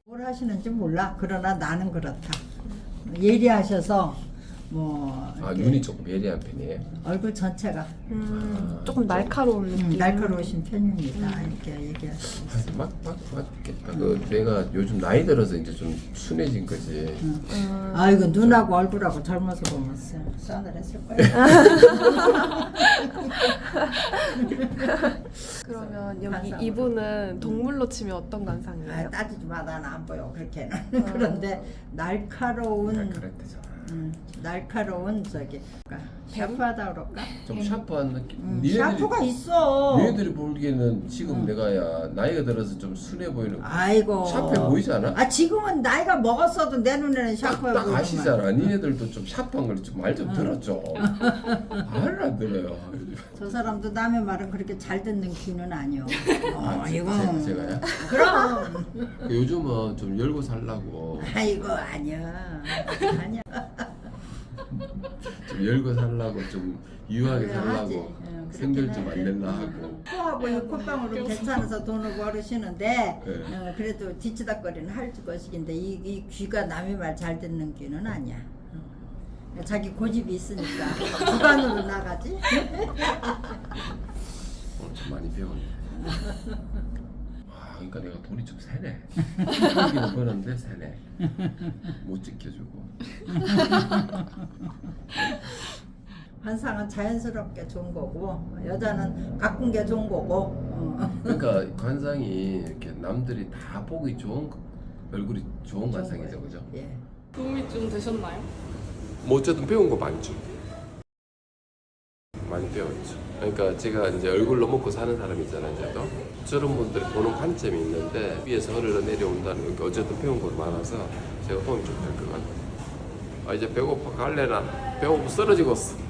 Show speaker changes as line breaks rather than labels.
뭘 하시는지 몰라. 그러나 나는 그렇다. 예리하셔서 뭐 이렇게
눈이 조금 예리한 편이에요.
얼굴 전체가
조금 날카로운 느낌.
날카로우신 편입니다. 이렇게 얘기할 수 있어요.
맞겠다. 내가 요즘 나이 들어서 이제 좀 순해진 거지.
아이고 눈하고 얼굴하고 젊어서 보면 싸늘했을 거예요.
그러면 여기
관상으로.
이분은 동물로 치면 어떤 관상이에요?
따지지 마. 나는 안 보여 그렇게는. 그런데 날카로운 날카로운 저기 샤프하다 그럴까?
좀 샤프한 느낌.
샤프가 있어.
니네들이 보기에는 지금 내가야 나이가 들어서 좀 순해 보이는.
아이고.
샤프해 보이지 않아?
아 지금은 나이가 먹었어도 내 눈에는 샤프해
딱
보이지만.
아시잖아. 니네들도 좀 샤프한 걸 좀 말 좀 들었죠. 말을 안 들어요.
저 사람도 남의 말은 그렇게 잘 듣는 귀는 아니요. 이거.
제가요?
그럼.
요즘은 좀 열고 살라고.
아이고 아니야. 아니야.
좀 열고 살라고 좀 유하게
그래, 하지.
살라고
응,
생들
그렇긴
좀 안
하지.
낼라 하고.
코하고 이 콧방울은 괜찮아서 돈을 벌으시는데
네.
그래도 뒤치다거리는 할 것이긴데 이 귀가 남의 말 잘 듣는 귀는 아니야. 자기 고집이 있으니까 주관으로 나가지.
오늘 좀 많이 배웠네. 그러니까 내가 돈이 좀 세네. 벌기는 버는데 세네. 못 지켜주고.
관상은 자연스럽게 좋은 거고 여자는 가꾼 게 좋은 거고.
그러니까 관상이 이렇게 남들이 다 보기 좋은 얼굴이 좋은 관상이죠,
거예요.
그죠?
예.
도움이 좀 되셨나요?
뭐 어쨌든 배운 거 많죠. 많이 배웠죠. 그러니까 제가 이제 얼굴로 먹고 사는 사람이잖아요, 이제도. 저런 분들이 보는 관점이 있는데 위에서 흘러 내려온다는 게 어쨌든 배운 거 많아서 제가 도움이 좀 될 것 같아요. 이제 배고파 갈래나 배고파 쓰러지겠어.